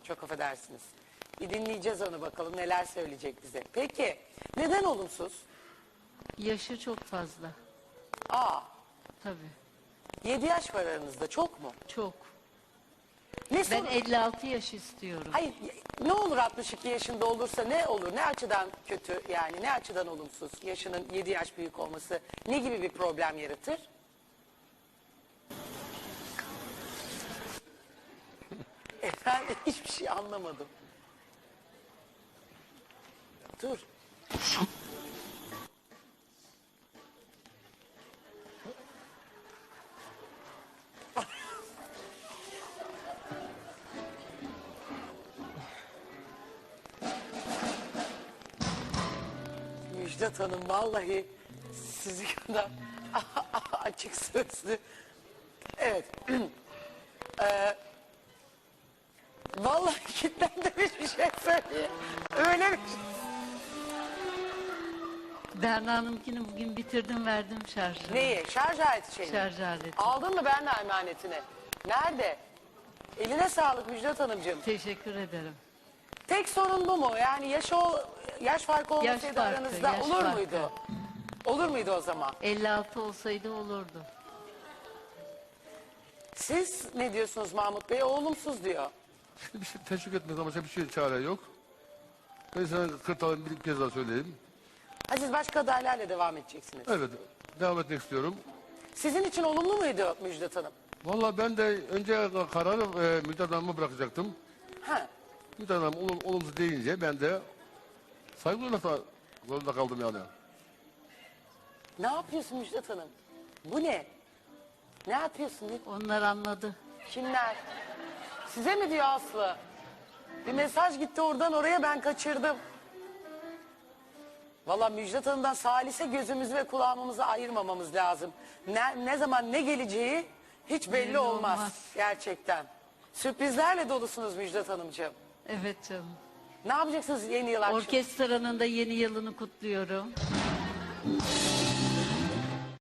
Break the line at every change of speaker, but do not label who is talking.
Çok affedersiniz. Bir dinleyeceğiz onu, bakalım neler söyleyecek bize. Peki neden olumsuz?
Yaşı çok fazla.
Aa,
Tabii.
7 yaş var aranızda, çok mu?
Çok.
Ne
Ben
sorun?
56 yaş istiyorum.
Hayır, ne olur 62 yaşında olursa ne olur? Ne açıdan kötü, yani ne açıdan olumsuz? Yaşının 7 yaş büyük olması ne gibi bir problem yaratır? Efendim, hiçbir şey anlamadım. Dur. Müjdat Hanım vallahi sizi kadar açık sözlü. Evet. Vallahi kilitlendirmiş bir şey söyleyeyim. Öyle bir şey.
Berna Hanım'kini bugün bitirdim, verdim şarjı.
Neyi? Şarj aleti şeyini.
Şarj aleti.
Aldın mı ben de emanetini? Nerede? Eline sağlık Müjdat Hanımcığım.
Teşekkür ederim.
Tek sorun bu mu? Yani yaş farkı olmasaydı
farkı,
aranızda
yaş
olur
farkı.
muydu? Olur muydu o zaman?
56 olsaydı olurdu.
Siz ne diyorsunuz Mahmut Bey? O olumsuz diyor.
Bir şey teşvik etmez ama başka bir şey çare yok. Ben sana kırtalım bir kez daha söyleyeyim.
Ha, siz başka adaylarla devam edeceksiniz.
Evet, devam etmek istiyorum.
Sizin için olumlu muydu Müjdat Hanım?
Vallahi ben de önce kararı Müjdat Hanım'a bırakacaktım.
Ha.
Müjdat Hanım olumsuz deyince ben de saygı zorunda kaldım yani.
Ne yapıyorsun Müjdat Hanım? Bu ne? Ne yapıyorsun?
Onlar anladı.
Kimler? Size mi diyor Aslı? Bir mesaj gitti oradan oraya, ben kaçırdım. Valla Müjdat Hanım'dan salise gözümüzü ve kulağımızı ayırmamamız lazım. Ne zaman ne geleceği hiç belli
Belli
olmaz.
olmaz.
Gerçekten. Sürprizlerle dolusunuz Müjdat Hanımcığım.
Evet canım.
Ne yapacaksınız yeni yıl akşamı?
Orkestranın da yeni yılını kutluyorum.